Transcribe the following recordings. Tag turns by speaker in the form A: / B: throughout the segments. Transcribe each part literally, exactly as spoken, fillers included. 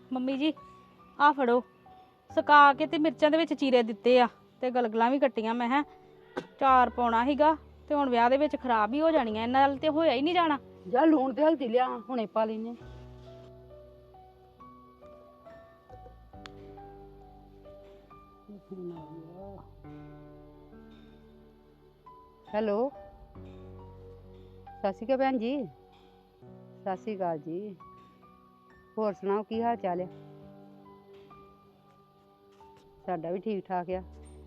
A: Mummy ਜੀ ਆ ਫੜੋ ਸੁਕਾ ਕੇ ਤੇ ਮਿਰਚਾਂ ਦੇ ਵਿੱਚ ਚੀਰੇ ਦਿੱਤੇ ਆ ਤੇ ਗਲਗਲਾਂ ਵੀ ਕੱਟੀਆਂ। ਮੈਂ ਹੈ ਚਾਰ ਪਾਉਣਾ ਸੀਗਾ ਤੇ ਹੁਣ ਵਿਆਹ ਦੇ ਵਿੱਚ ਖਰਾਬ ਹੀ ਹੋ ਜਾਣੀਆਂ, ਇਹਨਾਂ ਨਾਲ ਤੇ ਹੋਇਆ ਹੀ ਨਹੀਂ ਜਾਣਾ।
B: ਜਾ ਲੂਣ ਤੇ ਹਲਦੀ ਲਿਆ, ਹੁਣੇ ਪਾ ਲੈਨੇ। ਹੈਲੋ, ਸਤਿ ਸ਼੍ਰੀ ਅਕਾਲ ਭੈਣ ਜੀ। ਸਤਿ ਸ਼੍ਰੀ ਅਕਾਲ ਜੀ। ਹੋਰ ਸੁਣਾਓ ਕੀ ਹਾਲ ਚਾਲ ਹੈ? ਸਾਡਾ ਵੀ ਠੀਕ ਠਾਕ ਆ।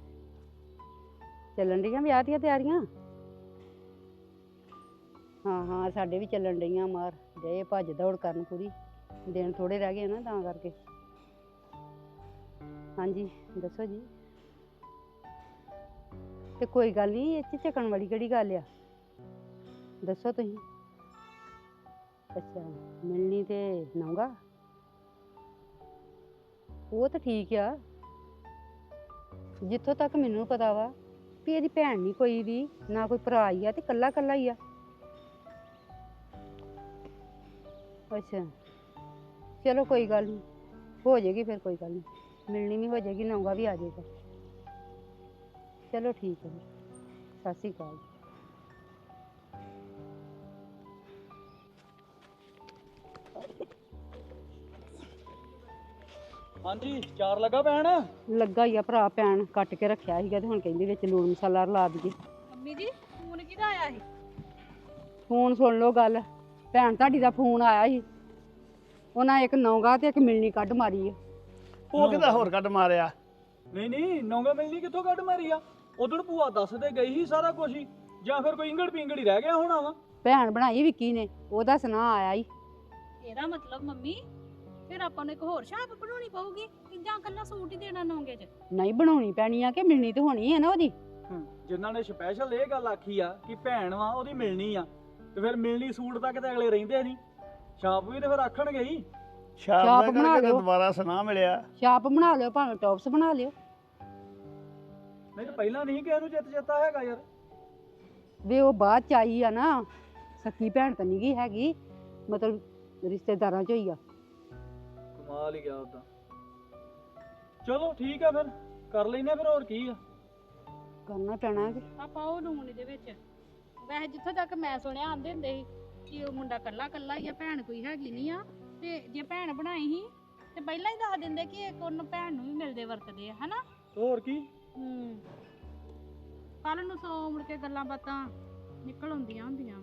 B: ਚੱਲਣ ਡੀਆਂ ਵਿਆਹ ਦੀਆਂ ਤਿਆਰੀਆਂ? ਹਾਂ ਹਾਂ ਸਾਡੇ ਵੀ ਚੱਲਣ ਡਈਆਂ ਮਾਰ ਜੇ ਭੱਜ ਦੌੜ ਕਰਨ ਪੂਰੀ। ਦਿਨ ਥੋੜੇ ਰਹਿ ਗਏ ਨਾ ਤਾਂ ਕਰਕੇ। ਹਾਂਜੀ ਦੱਸੋ ਜੀ। ਤੇ ਕੋਈ ਗੱਲ ਨਹੀਂ, ਇਹ 'ਚ ਝਕਣ ਵਾਲੀ ਕਿਹੜੀ ਗੱਲ ਆ? ਦੱਸੋ ਤੁਸੀਂ। ਅੱਛਾ ਮਿਲਣੀ ਤੇ ਨੌਂਗਾ, ਉਹ ਤਾਂ ਠੀਕ ਆ। ਜਿੱਥੋਂ ਤੱਕ ਮੈਨੂੰ ਪਤਾ ਵਾ ਵੀ ਇਹਦੀ ਭੈਣ ਨਹੀਂ ਕੋਈ ਵੀ, ਨਾ ਕੋਈ ਭਰਾ ਹੀ ਆ, ਤੇ ਕੱਲਾ ਕੱਲਾ ਹੀ ਆ। ਅੱਛਾ ਚਲੋ ਕੋਈ ਗੱਲ ਨਹੀਂ, ਹੋ ਜਾਏਗੀ ਫਿਰ, ਕੋਈ ਗੱਲ ਨਹੀਂ। ਮਿਲਣੀ ਵੀ ਹੋ ਜਾਏਗੀ, ਨੌਂਗਾ ਵੀ ਆ ਜਾਏਗਾ। ਚਲੋ ਠੀਕ ਹੈ, ਸਤਿ ਸ਼੍ਰੀ ਅਕਾਲ।
C: ਹਾਂਜੀ ਚਾਰ ਲੱਗਾ ਭੈਣ?
B: ਲੱਗਾ ਹੀ ਆ ਭਰਾ, ਭੈਣ ਕੱਟ ਕੇ ਰੱਖਿਆ ਸੀਗਾ ਤੇ ਹੁਣ ਕਹਿੰਦੀ ਵਿੱਚ ਲੂਣ ਮਸਾਲਾ ਰਲਾ ਦਈਏ।
A: ਮੰਮੀ ਜੀ ਫੋਨ ਕਿਹਦਾ ਆਇਆ ਸੀ?
B: ਫੋਨ ਸੁਣ ਲਓ ਗੱਲ, ਭੈਣ ਤੁਹਾਡੀ ਦਾ ਫੋਨ ਆਇਆ ਸੀ। ਉਹਨਾਂ ਇੱਕ ਨੌਂਗਾ ਤੇ ਇੱਕ ਮਿਲਣੀ ਕੱਢ ਮਾਰੀ ਆ।
D: ਉਹ ਕਿਹਦਾ ਹੋਰ ਕੱਢ ਮਾਰਿਆ?
C: ਨਹੀਂ ਨਹੀਂ ਨੌਂਗਾ ਮਿਲਣੀ ਕਿੱਥੋਂ ਕੱਢ ਮਾਰੀ ਆ? ਉਦੋਂ ਭੂਆ ਦੱਸਦੇ ਗਈ ਸੀ ਸਾਰਾ ਕੁਝ ਹੀ, ਜਾਂ ਫਿਰ ਕੋਈ ਇੰਗੜ ਪਿੰਗੜ ਹੀ ਰਹਿ ਗਿਆ ਹੋਣਾ ਵਾ।
B: ਭੈਣ ਬਣਾਈ ਵਿੱਕੀ ਨੇ, ਉਹਦਾ ਸੁਨਾ ਆਇਆ ਸੀ।
A: ਇਹਦਾ ਮਤਲਬ ਮੰਮੀ ਫਿਰ ਆਪਾਂ ਨੂੰ ਇੱਕ ਹੋਰ ਛਾਪ ਬਣਾਉਣੀ ਪਊਗੀ ਕਿ ਜਾਂ ਕੱਲਾ ਸੂਟ ਹੀ ਦੇਣਾ ਨੌਂਗੇ 'ਚ?
B: ਨਹੀਂ ਬਣਾਉਣੀ ਪੈਣੀ ਆ, ਕਿ ਮਿਲਣੀ ਤੇ ਹੋਣੀ ਹੈ ਨਾ ਉਹਦੀ।
C: ਜਿਨ੍ਹਾਂ ਨੇ ਸਪੈਸ਼ਲ ਇਹ ਗੱਲ ਆਖੀ ਆ ਕਿ ਭੈਣ ਵਾ ਉਹਦੀ ਮਿਲਣੀ ਆ, ਤੇ ਫਿਰ ਮਿਲਣੀ ਸੂਟ ਤੱਕ ਤੇ ਅਗਲੇ ਰਹਿੰਦੇ ਨਹੀਂ, ਛਾਪ ਵੀ ਤੇ ਫਿਰ ਆਖਣਗੇ ਹੀ।
D: ਛਾਪ
B: ਬਣਾ
D: ਬਣਾ ਕੇ
B: ਲਿਓ।
D: ਦੁਬਾਰਾ ਸੁਨਾ ਮਿਲਿਆ।
B: ਛਾਪ ਬਣਾ ਲਿਓ, ਭਾਵੇਂ ਟੌਪਸ ਬਣਾ ਲਿਓ।
C: ਨਹੀਂ ਤਾਂ ਪਹਿਲਾਂ ਨਹੀਂ ਕਿਸੇ ਨੂੰ ਚਿੱਤ ਚੇਤਾ ਹੈਗਾ ਯਾਰ।
B: ਵੀ ਉਹ ਬਾਅਦ ਚ ਆਈ ਆ ਨਾ, ਸੱਕੀ ਭੈਣ ਤਾਂ ਨਹੀਂ ਗਈ ਹੈਗੀ, ਮਤਲਬ ਰਿਸ਼ਤੇਦਾਰਾਂ ਚ ਹੋਈ ਆ।
C: ਕਮਾਲ ਹੀ ਗਿਆ ਉਦਾਂ। ਚਲੋ ਠੀਕ ਆ ਫਿਰ ਕਰ ਲੈਨੇ ਫਿਰ, ਹੋਰ ਕੀ ਆ।
B: ਕਰਨਾ ਪੈਣਾ ਕਿ
A: ਆਪਾਂ ਉਹ ਲੂਣ ਇਹਦੇ ਵਿੱਚ। ਵੈਸੇ ਜਿੱਥੋਂ ਤੱਕ ਮੈਂ ਸੁਣਿਆ ਆਂਦੇ ਹੁੰਦੇ ਸੀ ਕਿ ਉਹ ਮੁੰਡਾ ਕੱਲਾ ਕੱਲਾ ਹੀ ਆ, ਭੈਣ ਕੋਈ ਹੈਗੀ ਨਹੀਂ ਆ, ਤੇ ਜੇ ਭੈਣ ਬਣਾਈ ਸੀ ਤੇ ਪਹਿਲਾਂ ਹੀ ਦੱਸ ਦਿੰਦੇ ਕਿ ਇੱਕ ਉਹਨੂੰ ਭੈਣ ਨੂੰ ਵੀ ਮਿਲਦੇ ਵਰਤਦੇ ਆ, ਹਨਾ?
C: ਹੋਰ ਕੀ।
A: ਹੂੰ ਕੱਲ ਨੂੰ ਸੌ ਮੁੜ ਕੇ ਗੱਲਾਂ ਬਾਤਾਂ ਨਿਕਲ ਆਉਂਦੀਆਂ ਹੁੰਦੀਆਂ।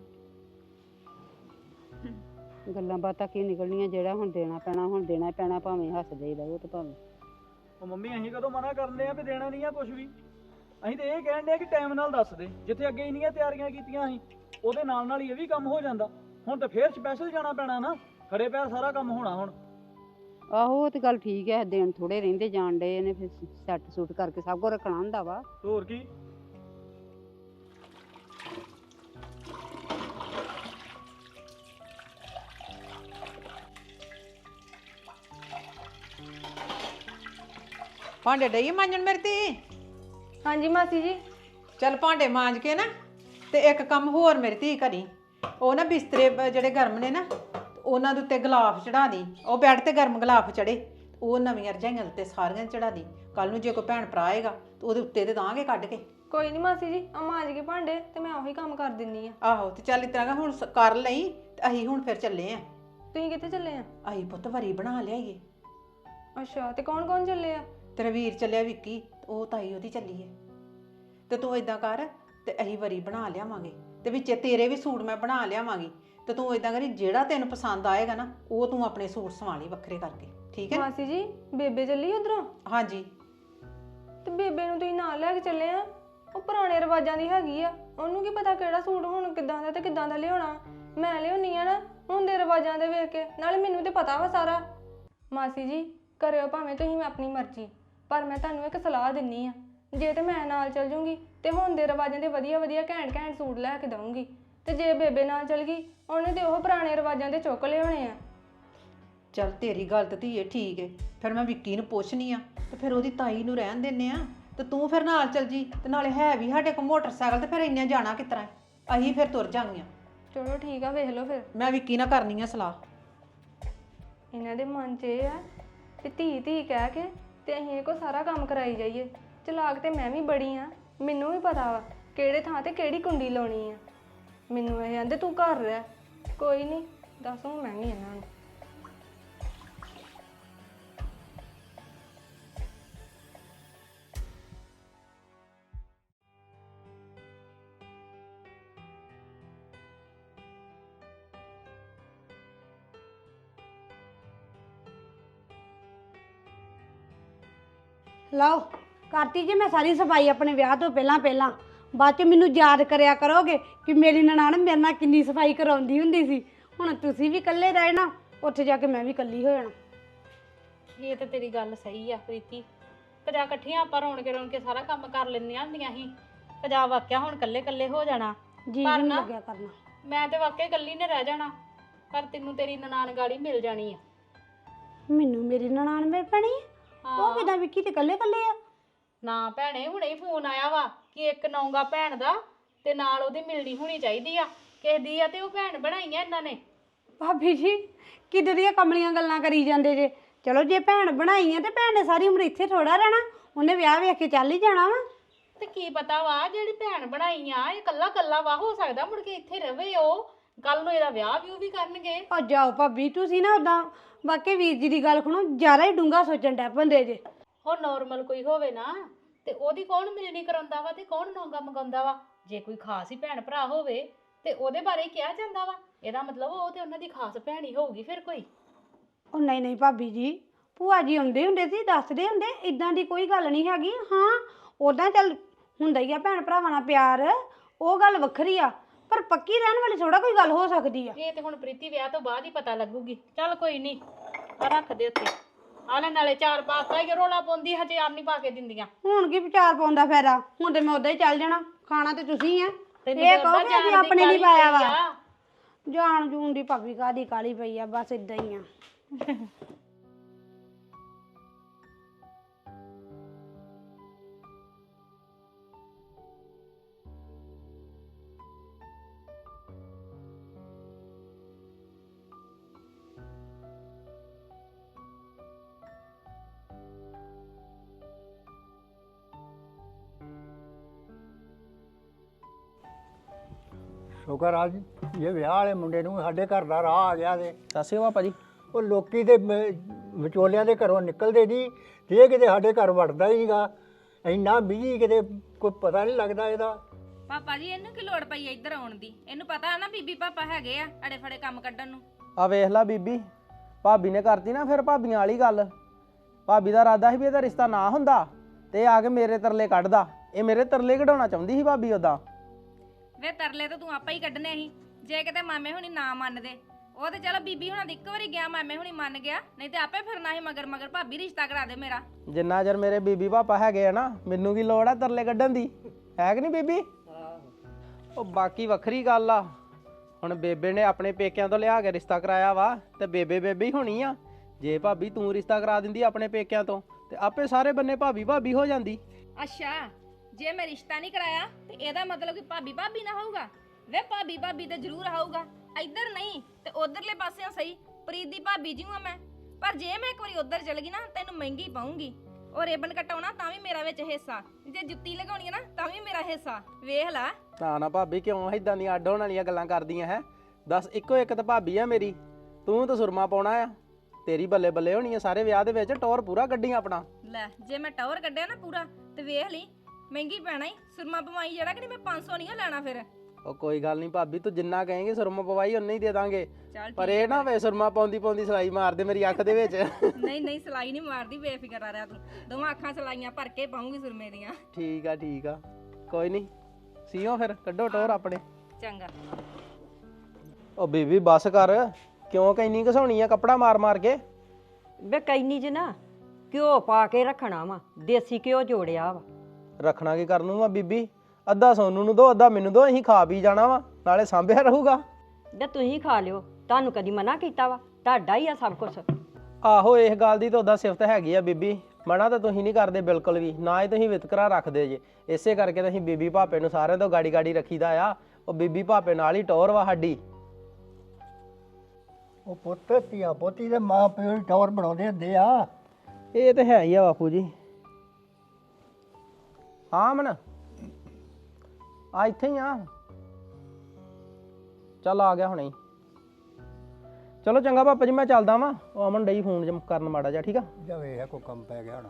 B: ਗੱਲਾਂ ਬਾਤਾਂ ਕੀ ਨਿਕਲਣੀਆਂ, ਜਿਹੜਾ ਹੁਣ ਦੇਣਾ ਪੈਣਾ ਹੁਣ ਦੇਣਾ ਪੈਣਾ, ਭਾਵੇਂ ਹੱਸਦੇ ਹੀ ਰਹੋ ਤੇ ਭਾਵੇਂ।
C: ਉਹ ਮੰਮੀ ਅਸੀਂ ਕਦੋਂ ਮਨਾ ਕਰਦੇ ਆ ਵੀ ਦੇਣਾ ਨਹੀਂ ਆ ਕੁਝ ਵੀ? ਅਸੀਂ ਤੇ ਇਹ ਕਹਿਣ ਡਿਆ ਕਿ ਟਾਈਮ ਨਾਲ ਦੱਸ ਦੇ। ਜਿੱਥੇ ਅੱਗੇ ਇੰਨੀਆਂ ਤਿਆਰੀਆਂ ਕੀਤੀਆਂ ਸੀ ਉਹਦੇ ਨਾਲ ਨਾਲ ਹੀ ਇਹ ਵੀ ਕੰਮ ਹੋ ਜਾਂਦਾ। ਹੁਣ ਤਾਂ ਫੇਰ ਸਪੈਸ਼ਲ ਜਾਣਾ ਪੈਣਾ ਨਾ, ਖੜੇ ਪੈਰ ਸਾਰਾ ਕੰਮ ਹੋਣਾ ਹੁਣ।
B: ਆਹੋ ਉਹ ਤੇ ਗੱਲ ਠੀਕ ਹੈ, ਦਿਨ ਥੋੜੇ ਰਹਿੰਦੇ ਜਾਣ ਡੇ ਨੇ, ਫਿਰ ਸੈੱਟ ਸੂਟ ਕਰਕੇ ਸਭ ਕੁਝ ਰੱਖਣਾ ਹੁੰਦਾ ਵਾ।
C: ਹੋਰ ਕੀ।
E: ਭਾਂਡੇ ਡਈ ਮਾਂਜਣ ਮੇਰੀ ਧੀ?
F: ਹਾਂਜੀ ਮਾਸੀ ਜੀ।
E: ਚੱਲ ਭਾਂਡੇ ਮਾਂਜ ਕੇ ਨਾ ਤੇ ਇੱਕ ਕੰਮ ਹੋਰ ਮੇਰੀ ਧੀ ਕਰੀ। ਉਹ ਨਾ ਬਿਸਤਰੇ ਬ- ਜਿਹੜੇ ਗਰਮ ਨੇ ਨਾ, ਉਹਨਾਂ ਦੇ ਉੱਤੇ ਗਲਾਫ ਚੜਾ ਦੀ। ਉਹ ਬੈੱਡ ਤੇ ਗਰਮ ਗਲਾਫ ਚੜੇ, ਉਹ ਨਵੀਆਂ ਰਜਾਈਆਂ ਉੱਤੇ ਸਾਰੀਆਂ ਚੜਾ ਦੀ। ਕੱਲ ਨੂੰ ਜੇ ਕੋਈ ਭੈਣ ਭਰਾ ਆਏਗਾ ਤੇ ਉਹਦੇ ਉੱਤੇ ਤੇ ਦਾਂਗੇ ਕੱਢ ਕੇ।
F: ਕੋਈ ਨਹੀਂ ਮਾਸੀ ਜੀ, ਆ ਮਾਂਜ ਕੇ ਭਾਂਡੇ ਤੇ ਮੈਂ ਉਹੀ ਕੰਮ ਕਰ ਦਿੰਨੀ ਆ।
E: ਆਹੋ ਤੇ ਚੱਲ ਇਸ ਤਰ੍ਹਾਂ ਹੁਣ ਸ- ਕਰ ਲਈ ਤੇ ਅਸੀਂ ਹੁਣ ਫਿਰ ਚੱਲੇ ਆਂ।
F: ਤੁਸੀਂ ਕਿੱਥੇ ਚੱਲੇ ਆ?
E: ਅਸੀਂ ਪੁੱਤ ਵਰੀ ਬਣਾ ਲਿਆਈਏ।
F: ਅੱਛਾ ਤੇ ਕੌਣ ਕੌਣ ਚੱਲੇ ਆ?
E: ਤੇਰਾ ਵੀਰ ਚੱਲਿਆ ਵਿੱਕੀ, ਉਹ ਤਾਈ ਉਹਦੀ ਚੱਲੀ ਹੈ। ਤੇ ਤੂੰ ਇਦਾਂ ਕਰ ਤੇ ਅਸੀਂ ਵਰੀ ਬਣਾ ਲਿਆਵਾਂਗੇ ਤੇ ਵਿੱਚੇ ਤੇਰੇ ਵੀ ਸੂਟ ਮੈਂ ਬਣਾ ਲਿਆਵਾਂਗੀ। ਤੇ ਤੂੰ ਇਦਾਂ ਕਰੀ, ਜਿਹੜਾ ਤੈਨੂੰ ਪਸੰਦ ਆਏਗਾ ਨਾ ਉਹ ਤੂੰ ਆਪਣੇ ਸੂਟ ਸਵਾ ਲਈ ਵੱਖਰੇ ਕਰਕੇ, ਠੀਕ ਹੈ?
F: ਮਾਸੀ ਜੀ ਬੇਬੇ ਚੱਲੀ ਉਧਰੋਂ?
E: ਹਾਂਜੀ।
F: ਤੇ ਬੇਬੇ ਨੂੰ ਤੁਸੀਂ ਨਾਲ ਲੈ ਕੇ ਚੱਲੇ ਆ? ਉਹ ਪੁਰਾਣੇ ਰਿਵਾਜਾਂ ਦੀ ਹੈਗੀ ਆ, ਉਹਨੂੰ ਕੀ ਪਤਾ ਕਿਹੜਾ ਸੂਟ ਹੁਣ ਕਿੱਦਾਂ ਦਾ ਤੇ ਕਿੱਦਾਂ ਦਾ ਲਿਆਉਣਾ। ਮੈਂ ਲਿਆਉਣੀ ਆ ਨਾ ਹੁਣ ਦੇ ਰਿਵਾਜਾਂ ਦੇ ਵੇਖ ਕੇ, ਨਾਲੇ ਮੈਨੂੰ ਤੇ ਪਤਾ ਵਾ ਸਾਰਾ। ਮਾਸੀ ਜੀ ਕਰਿਓ ਭਾਵੇਂ ਤੁਸੀਂ, ਮੈਂ ਆਪਣੀ ਮਰਜ਼ੀ, ਪਰ ਮੈਂ ਤੁਹਾਨੂੰ ਇੱਕ ਸਲਾਹ ਦਿੰਨੀ ਆ। ਜੇ ਤੇ ਮੈਂ ਨਾਲ ਚੱਲ ਜੂੰਗੀ ਤੇ ਹੁਣ ਦੇ ਰਿਵਾਜਾਂ ਦੇ ਵਧੀਆ ਵਧੀਆ ਘੈਂਟ ਘੈਂਟ ਸੂਟ ਲੈ ਕੇ ਦਊਂਗੀ, ਤੇ ਜੇ ਬੇਬੇ ਨਾਲ ਚੱਲ ਗਈ ਉਹਨੇ ਤੇ ਉਹ ਪੁਰਾਣੇ ਰਿਵਾਜਾਂ ਦੇ ਚੁੱਕ ਲਿਆਉਣੇ ਆ।
E: ਚੱਲ ਤੇਰੀ ਗੱਲ ਤੇ ਧੀਏ ਠੀਕ ਹੈ, ਫਿਰ ਮੈਂ ਵਿੱਕੀ ਨੂੰ ਪੁੱਛਣੀ ਆ ਤੇ ਫਿਰ ਉਹਦੀ ਤਾਈ ਨੂੰ ਰਹਿਣ ਦਿੰਨੇ ਆ ਤੇ ਤੂੰ ਫਿਰ ਨਾਲ ਚੱਲ ਜੀ। ਤੇ ਨਾਲੇ ਹੈ ਵੀ ਸਾਡੇ ਕੋਲ ਮੋਟਰਸਾਈਕਲ, ਤੇ ਫਿਰ ਇੰਨਾ ਜਾਣਾ ਕਿਸ ਤਰ੍ਹਾਂ? ਅਸੀਂ ਫਿਰ ਤੁਰ ਜਾਂਗੀਆਂ।
F: ਚਲੋ ਠੀਕ ਆ, ਵੇਖ ਲਓ ਫਿਰ।
E: ਮੈਂ ਵਿੱਕੀ ਨਾਲ ਕਰਨੀ ਆ ਸਲਾਹ।
F: ਇਹਨਾਂ ਦੇ ਮਨ 'ਚ ਇਹ ਆ ਵੀ ਧੀ ਧੀ ਕਹਿ ਕੇ ਤੇ ਅਸੀਂ ਇਹ ਕੋ ਸਾਰਾ ਕੰਮ ਕਰਾਈ ਜਾਈਏ। ਚਲਾਕ ਤੇ ਮੈਂ ਵੀ ਬੜੀ ਆ, ਮੈਨੂੰ ਵੀ ਪਤਾ ਵਾ ਕਿਹੜੇ ਥਾਂ ਤੇ ਕਿਹੜੀ ਕੁੰਡੀ ਲਾਉਣੀ ਆ। ਮੈਨੂੰ ਇਹ ਕਹਿੰਦੇ ਤੂੰ ਘਰ ਰਹਿ, ਕੋਈ ਨਹੀਂ ਦੱਸ ਹੁਣ ਮੈਂ ਵੀ ਇਹਨਾਂ ਨੂੰ।
B: ਲਓ ਕਰਤੀ ਜੀ ਮੈਂ ਸਾਰੀ ਸਫਾਈ ਆਪਣੇ ਵਿਆਹ ਤੋਂ ਪਹਿਲਾਂ ਪਹਿਲਾਂ। ਬਾਅਦ ਚ ਮੈਨੂੰ ਯਾਦ ਕਰਿਆ ਕਰੋਗੇ ਕਿ ਮੇਰੀ ਨਨਾਣ ਮੇਰੇ ਨਾਲ ਕਿੰਨੀ ਸਫਾਈ ਕਰਾਉਂਦੀ ਹੁੰਦੀ ਸੀ। ਹੁਣ ਤੁਸੀਂ ਵੀ ਇਕੱਲੇ ਰਹਿਣਾ, ਉੱਥੇ ਜਾ ਕੇ ਮੈਂ ਵੀ ਇਕੱਲੀ ਹੋ ਜਾਣਾ।
A: ਇਹ ਤੇ ਤੇਰੀ ਗੱਲ ਸਹੀ ਆ ਪ੍ਰੀਤੀ। ਕਜਾ ਇਕੱਠੀਆਂ ਆਪਾਂ ਰੌਣ ਕੇ ਰੌਣ ਕੇ ਸਾਰਾ ਕੰਮ ਕਰ ਲੈਂਦੀਆਂ ਹੁੰਦੀਆਂ ਸੀ। ਕਜਾ ਵਾਕਿਆ ਹੁਣ ਇਕੱਲੇ ਇਕੱਲੇ ਹੋ ਜਾਣਾ।
B: ਜੀ
A: ਪਰ
B: ਨਹੀਂ
A: ਨਾ,
B: ਲੱਗਿਆ ਕਰਨਾ।
A: ਮੈਂ ਤੇ ਵਾਕਿਆ ਇਕੱਲੀ ਨੇ ਰਹਿ ਜਾਣਾ, ਪਰ ਤੈਨੂੰ ਤੇਰੀ ਨਨਾਣ ਗਾੜੀ ਮਿਲ ਜਾਣੀ ਆ।
B: ਮੈਨੂੰ ਮੇਰੀ ਨਨਾਣ ਮਿਲ ਪੈਣੀ ਆ? ਉਹ ਕਿਦਾਂ ਵਿੱਕੀ ਤੇ ਇਕੱਲੇ ਇਕੱਲੇ ਆ?
A: ਨਾ ਭੈਣੇ, ਹੁਣੇ ਹੀ ਫੋਨ ਆਇਆ ਵਾ ਕਿ ਇੱਕ ਨੌਂਗਾ ਭੈਣ ਦਾ ਤੇ ਨਾਲ ਉਹਦੀ ਮਿਲਣੀ ਹੋਣੀ ਚਾਹੀਦੀ ਆ ਕਿਸੇ ਦੀ ਆ, ਤੇ ਉਹ ਭੈਣ ਬਣਾਈਆਂ ਇਹਨਾਂ ਨੇ।
B: ਭਾਬੀ ਜੀ ਕਿੱਦਾਂ ਦੀਆਂ ਕਮਲੀਆਂ ਗੱਲਾਂ ਕਰੀ ਜਾਂਦੇ ਜੇ। ਚਲੋ ਜੇ ਭੈਣ ਬਣਾਈ ਆ ਤੇ ਭੈਣ ਨੇ ਸਾਰੀ ਉਮਰ ਇੱਥੇ ਥੋੜਾ ਰਹਿਣਾ, ਉਹਨੇ ਵਿਆਹ ਵੇਖ ਕੇ ਚੱਲ ਹੀ ਜਾਣਾ ਵਾ।
A: ਤੇ ਕੀ ਪਤਾ ਵਾ ਜਿਹੜੀ ਭੈਣ ਬਣਾਈ ਆ ਇਹ ਕੱਲਾ ਕੱਲਾ ਵਾ, ਹੋ ਸਕਦਾ ਮੁੜ ਕੇ ਇੱਥੇ ਰਵੇ ਉਹ, ਕੱਲ ਨੂੰ ਇਹਦਾ ਵਿਆਹ ਵਿਊ ਵੀ ਕਰਨਗੇ।
B: ਆ ਜਾਓ ਭਾਬੀ, ਤੁਸੀਂ ਨਾ ਉਦਾਂ ਵਾਕਈ ਵੀਰ ਜੀ ਦੀ ਗੱਲ ਸੁਣੋ, ਜ਼ਿਆਦਾ ਹੀ ਡੂੰਘਾ ਸੋਚਣ ਡੈ ਪੈਂਦੇ ਜੇ।
A: ਹੁਣ ਨਾਰਮਲ ਕੋਈ ਹੋਵੇ ਨਾ ਤੇ ਉਹਦੀ ਕੌਣ ਮਿਲਣੀ ਕਰਾਉਂਦਾ ਵਾ ਤੇ ਕੌਣ ਨੌਂਗਾ ਮੰਗਾਉਂਦਾ ਵਾ। ਜੇ ਕੋਈ ਖਾਸ ਹੀ ਭੈਣ ਭਰਾ ਹੋਵੇ ਤੇ ਉਹਦੇ ਬਾਰੇ ਕਿਹਾ ਜਾਂਦਾ ਵਾ, ਇਹਦਾ ਮਤਲਬ ਉਹ ਤੇ ਉਹਨਾਂ ਦੀ ਖਾਸ ਭੈਣ ਹੀ ਹੋਊਗੀ ਫਿਰ ਕੋਈ।
B: ਉਹ ਨਹੀਂ ਨਹੀਂ ਭਾਬੀ ਜੀ, ਭੂਆ ਜੀ ਆਉਂਦੇ ਹੁੰਦੇ ਸੀ, ਦੱਸਦੇ ਹੁੰਦੇ, ਇਦਾਂ ਦੀ ਕੋਈ ਗੱਲ ਨਹੀਂ ਹੈਗੀ। ਹਾਂ ਉਦਾਂ ਚੱਲ ਹੁੰਦਾ ਹੀ ਆ ਭੈਣ ਭਰਾਵਾਂ ਨਾਲ ਪਿਆਰ, ਉਹ ਗੱਲ ਵੱਖਰੀ ਆ, ਪਰ ਪੱਕੀ ਰਹਿਣ ਵਾਲੀ ਥੋੜਾ ਕੋਈ ਗੱਲ ਹੋ ਸਕਦੀ ਆ।
A: ਇਹ ਤੇ ਹੁਣ ਪ੍ਰੀਤੀ ਵਿਆਹ ਤੋਂ ਬਾਅਦ ਹੀ ਪਤਾ ਲੱਗੂਗੀ। ਚੱਲ ਕੋਈ ਨਹੀਂ, ਰੱਖ ਦੇ ਉੱਤੇ। ਆਲੇ ਨਾਲੇ ਚਾਰ ਪਾਤਾ ਹੀ ਰੋਲਾ ਪਾਉਂਦੀ, ਹਜੇ ਆਪ ਨਹੀਂ ਪਾ ਕੇ ਦਿੰਦੀਆਂ।
B: ਹੁਣ ਕੀ ਵਿਚਾਰ ਪਾਉਂਦਾ ਫਾਇਦਾ, ਹੁਣ ਤੇ ਮੈਂ ਉਦਾਂ ਹੀ ਚੱਲ ਜਾਣਾ, ਖਾਣਾ ਤੇ ਤੁਸੀਂ ਆ।
A: ਤੈਨੂੰ
B: ਇਹ
A: ਤਾਂ
B: ਕਹੋ
A: ਅੱਧਾ
B: ਕਿ ਅਸੀਂ
A: ਜਾਣ ਦੀ
B: ਆਪਣੇ ਲਈ
A: ਕਾਹਲੀ
B: ਪਾਇਆ ਵਾ।
A: ਪਈ ਆ।
B: ਜਾਣ ਜੂਣ ਦੀ ਭਾਬੀ ਕਾਹਦੀ ਕਾਲੀ ਪਈ ਆ, ਬਸ ਇਦਾਂ ਹੀ ਆ।
G: ਸ਼ੁਕਰ ਆ ਜੀ ਇਹ ਵਿਆਹ ਵਾਲੇ ਮੁੰਡੇ ਨੂੰ ਸਾਡੇ ਘਰ ਦਾ ਰਾਹ ਆ ਗਿਆ ਤੇ
H: ਸਤਿ ਸ਼੍ਰੀ ਅਕਾਲ ਭਾਜੀ।
G: ਉਹ ਲੋਕੀ ਦੇ ਮ- ਵਿਚੋਲਿਆਂ ਦੇ ਘਰੋਂ ਨਿਕਲਦੇ ਨਹੀਂ ਤੇ ਇਹ ਕਿਤੇ ਸਾਡੇ ਘਰ ਵੜਦਾ ਹੀ ਨਹੀਂਗਾ। ਇੰਨਾ ਬਿਜੀ ਕਿਤੇ ਕੋਈ ਪਤਾ ਨਹੀਂ ਲੱਗਦਾ ਇਹਦਾ।
I: ਪਾਪਾ ਜੀ ਇਹਨੂੰ ਕੀ ਲੋੜ ਪਈ ਇੱਧਰ ਆਉਣ ਦੀ? ਇਹਨੂੰ ਪਤਾ ਨਾ ਬੀਬੀ ਪਾਪਾ ਹੈਗੇ ਆ ਅੜੇ ਫੜੇ ਕੰਮ ਕੱਢਣ ਨੂੰ।
H: ਆ ਵੇਖ ਲੈ ਬੀਬੀ, ਭਾਬੀ ਨੇ ਕਰਤੀ ਨਾ ਫਿਰ ਭਾਬੀਆਂ ਵਾਲੀ ਗੱਲ। ਭਾਬੀ ਦਾ ਇਰਾਦਾ ਸੀ ਵੀ ਇਹਦਾ ਰਿਸ਼ਤਾ ਨਾ ਹੁੰਦਾ ਤੇ ਇਹ ਆ ਕੇ ਮੇਰੇ ਤਰਲੇ ਕੱਢਦਾ। ਇਹ ਮੇਰੇ ਤਰਲੇ ਕਢਾਉਣਾ ਚਾਹੁੰਦੀ ਸੀ ਭਾਬੀ ਉਦਾਂ।
I: ਵੇ ਤਰਲੇ ਤਾਂ ਤੂੰ ਆਪਾ ਹੀ ਕੱਢਨੇ ਸੀ, ਜੇ ਕਿਤੇ ਮਾਮੇ ਹੁਣੀ ਨਾ ਮੰਨਦੇ। ਉਹ ਤੇ ਚਲੋ ਬੀਬੀ ਹੁਣਾਂ ਦੀ ਇੱਕ ਵਾਰੀ ਗਿਆ, ਮਾਮੇ ਹੁਣੀ ਮੰਨ ਗਿਆ, ਨਹੀਂ ਤੇ ਆਪੇ ਫਿਰਨਾ ਸੀ ਮਗਰ ਮਗਰ ਭਾਬੀ ਰਿਸ਼ਤਾ ਕਰਾ ਦੇ ਮੇਰਾ।
H: ਜਿੰਨਾ ਚਿਰ ਮੇਰੇ ਬੀਬੀ ਪਾਪਾ ਹੈਗੇ ਆ ਨਾ, ਮੈਨੂੰ ਕੀ ਲੋੜ ਆ ਤਰਲੇ ਕੱਢਣ ਦੀ, ਹੈ ਕਿ ਨਹੀਂ ਬੀਬੀ? ਉਹ ਬਾਕੀ ਵੱਖਰੀ ਗੱਲ ਆ, ਹੁਣ ਬੇਬੇ ਨੇ ਆਪਣੇ ਪੇਕਿਆਂ ਤੋਂ ਲਿਆ ਕੇ ਰਿਸ਼ਤਾ ਕਰਾਇਆ ਵਾ ਤੇ ਬੇਬੇ ਬੇਬੇ ਹੀ ਹੋਣੀ ਆ। ਜੇ ਭਾਬੀ ਤੂੰ ਰਿਸ਼ਤਾ ਕਰਾ ਦਿੰਦੀ ਆਪਣੇ ਪੇਕਿਆਂ ਤੋਂ ਤੇ ਆਪੇ ਸਾਰੇ ਬੰਨੇ ਭਾਬੀ ਭਾਬੀ ਹੋ ਜਾਂਦੀ।
I: ਅੱਛਾ, ਜੇ ਮੈਂ ਰਿਸ਼ਤਾ ਨਹੀਂ ਕਰਾਇਆ ਤੇ ਇਹਦਾ ਮਤਲਬ ਕਿ ਭਾਬੀ ਭਾਬੀ ਨਾ ਹੋਊਗਾ? ਵੇ ਭਾਬੀ ਭਾਬੀ ਤੇ ਜ਼ਰੂਰ ਹੋਊਗਾ, ਇੱਧਰ ਨਹੀਂ ਤੇ ਉਧਰਲੇ ਪਾਸਿਓਂ ਸਹੀ। ਪ੍ਰੀਤ ਦੀ ਭਾਬੀ ਜੀ ਹਾਂ ਮੈਂ, ਪਰ ਜੇ ਮੈਂ ਇੱਕ ਵਾਰੀ ਉਧਰ ਚਲ ਗਈ ਨਾ ਤੈਨੂੰ ਮਹਿੰਗੀ ਪਾਉਂਗੀ। ਉਹ ਰੇਬਨ ਕਟਾਉਣਾ ਤਾਂ ਵੀ ਮੇਰਾ ਵਿੱਚ ਹਿੱਸਾ, ਜੇ ਜੁੱਤੀ ਲਗਾਉਣੀ ਹੈ ਨਾ ਤਾਂ ਵੀ ਮੇਰਾ ਹਿੱਸਾ। ਵੇਖ ਲੈ।
H: ਨਾ ਨਾ ਭਾਬੀ, ਕਿਉਂ ਇਦਾਂ ਦੀਆਂ ਅੱਡ ਹੋਣ ਵਾਲੀਆਂ ਗੱਲਾਂ ਕਰਦੀਆਂ ਹੈ? ਦੱਸ, ਇੱਕੋ ਇੱਕ ਤਾਂ ਭਾਬੀ ਆ ਮੇਰੀ, ਤੂੰ ਤਾਂ ਸੁਰਮਾ ਪਾਉਣਾ ਆ, ਤੇਰੀ ਬੱਲੇ ਬੱਲੇ ਹੋਣੀ ਆ ਸਾਰੇ ਵਿਆਹ ਦੇ ਵਿੱਚ। ਟੌਰ ਪੂਰਾ ਕੱਢੀ ਆਪਣਾ।
I: ਲੈ, ਜੇ ਮੈਂ ਟੌਰ ਕੱਢਿਆ ਨਾ ਪੂਰਾ ਤੇ ਵੇਖ ਲਈ ਮਹਿੰਗੀ ਪੈਣਾ ਹੀ। ਸੁਰਮਾ ਪਵਾਈ ਜਿਹੜਾ ਕਿ ਨਹੀਂ ਮੈਂ ਪੰਜ ਸੌ ਨਹੀਂ ਲੈਣਾ ਫਿਰ।
H: ਉਹ ਕੋਈ ਗੱਲ ਨਹੀਂ ਭਾਬੀ, ਤੂੰ ਜਿੰਨਾ ਕਹੇਂਗੇ ਸੁਰਮਾ ਪਵਾਈ ਉਨਾ ਹੀ ਦੇ ਦਾਂਗੇ।
I: ਚੱਲ
H: ਪਰ ਇਹ ਨਾ ਵੇ ਸੁਰਮਾ ਪਾਉਂਦੀ ਪਾਉਂਦੀ ਸਲਾਈ ਮਾਰ ਦੇ ਮੇਰੀ ਅੱਖ ਦੇ ਵਿੱਚ।
I: ਨਹੀਂ ਨਹੀਂ, ਸਲਾਈ ਨਹੀਂ ਮਾਰਦੀ, ਬੇਫਿਕਰ ਆ ਰਿਹਾ ਤੂੰ। ਦੋਵਾਂ ਅੱਖਾਂ ਸਲਾਈਆਂ ਭਰ ਕੇ ਪਾਉਂਗੀ ਸੁਰਮੇ ਦੀਆਂ।
H: ਠੀਕ ਆ ਠੀਕ ਆ, ਕੋਈ ਨਹੀਂ ਸੀਓ ਫਿਰ, ਕੱਢੋ ਟੌਰ ਆਪਣੇ।
I: ਚੰਗਾ।
H: ਉਹ ਬੀਬੀ ਬੱਸ ਕਰ, ਕਿਉਂ ਕੈਨੀ ਘਸਾਉਣੀ ਆ ਕੱਪੜਾ ਮਾਰ ਮਾਰ ਕੇ?
J: ਵੇ ਕੈਨੀ ਚ ਨਾ ਘਿਓ ਪਾ ਕੇ ਰੱਖਣਾ ਵਾ, ਦੇਸੀ ਘਿਓ ਜੋੜਿਆ ਵਾ।
H: ਰੱਖਣਾ ਕੀ ਕਰਨ ਨੂੰ ਵਾ ਬੀਬੀ? ਅੱਧਾ ਸੋਨੂੰ ਨੂੰ ਦੋ, ਅੱਧਾ ਮੈਨੂੰ ਦੋ, ਅਸੀਂ ਖਾ ਪੀ ਜਾਣਾ ਵਾ, ਨਾਲੇ ਸਾਂਭਿਆ ਰਹੂਗਾ।
J: ਵੇ ਤੁਸੀਂ ਖਾ ਲਿਓ, ਤੁਹਾਨੂੰ ਕਦੀ ਮਨਾ ਕੀਤਾ ਵਾ? ਤੁਹਾਡਾ ਹੀ ਆ ਸਭ ਕੁਝ।
H: ਆਹੋ, ਇਸ ਗੱਲ ਦੀ ਤਾਂ ਉਦਾਂ ਸਿਫਤ ਹੈਗੀ ਆ ਬੀਬੀ, ਮਨਾ ਤਾਂ ਤੁਸੀਂ ਨਹੀਂ ਕਰਦੇ ਬਿਲਕੁਲ ਵੀ, ਨਾ ਹੀ ਤੁਸੀਂ ਵਿਤਕਰਾ ਰੱਖਦੇ ਜੇ। ਇਸੇ ਕਰਕੇ ਤਾਂ ਅਸੀਂ ਬੀਬੀ ਭਾਪੇ ਨੂੰ ਸਾਰਿਆਂ ਤੋਂ ਗਾੜੀ ਗਾੜੀ ਰੱਖੀਦਾ ਆ। ਉਹ ਬੀਬੀ ਭਾਪੇ ਨਾਲ ਹੀ ਟੌਰ ਵਾ ਸਾਡੀ।
G: ਉਹ ਪੁੱਤ ਧੀਆ ਪੋਤੀ ਦੇ ਮਾਂ ਪਿਓ ਦੀ ਟੌਰ ਬਣਾਉਂਦੇ ਹੁੰਦੇ ਆ।
H: ਇਹ ਤੇ ਹੈ ਹੀ ਆ ਬਾਪੂ ਜੀ। ਹਾਂ ਅਮਨ ਆ ਇੱਥੇ ਹੀ ਆ। ਚੱਲ ਆ ਗਿਆ ਹੁਣੇ ਹੀ। ਚਲੋ ਚੰਗਾ ਪਾਪਾ ਜੀ ਮੈਂ ਚੱਲਦਾ ਵਾਂ। ਉਹ ਅਮਨ ਡਈ ਫੋਨ ਜ ਕਰਨ ਮਾੜਾ ਜਿਹਾ, ਠੀਕ ਆ।
G: ਜਾ ਵੇਖ ਕੋਈ ਕੰਮ ਪੈ ਗਿਆ ਹੋਣਾ।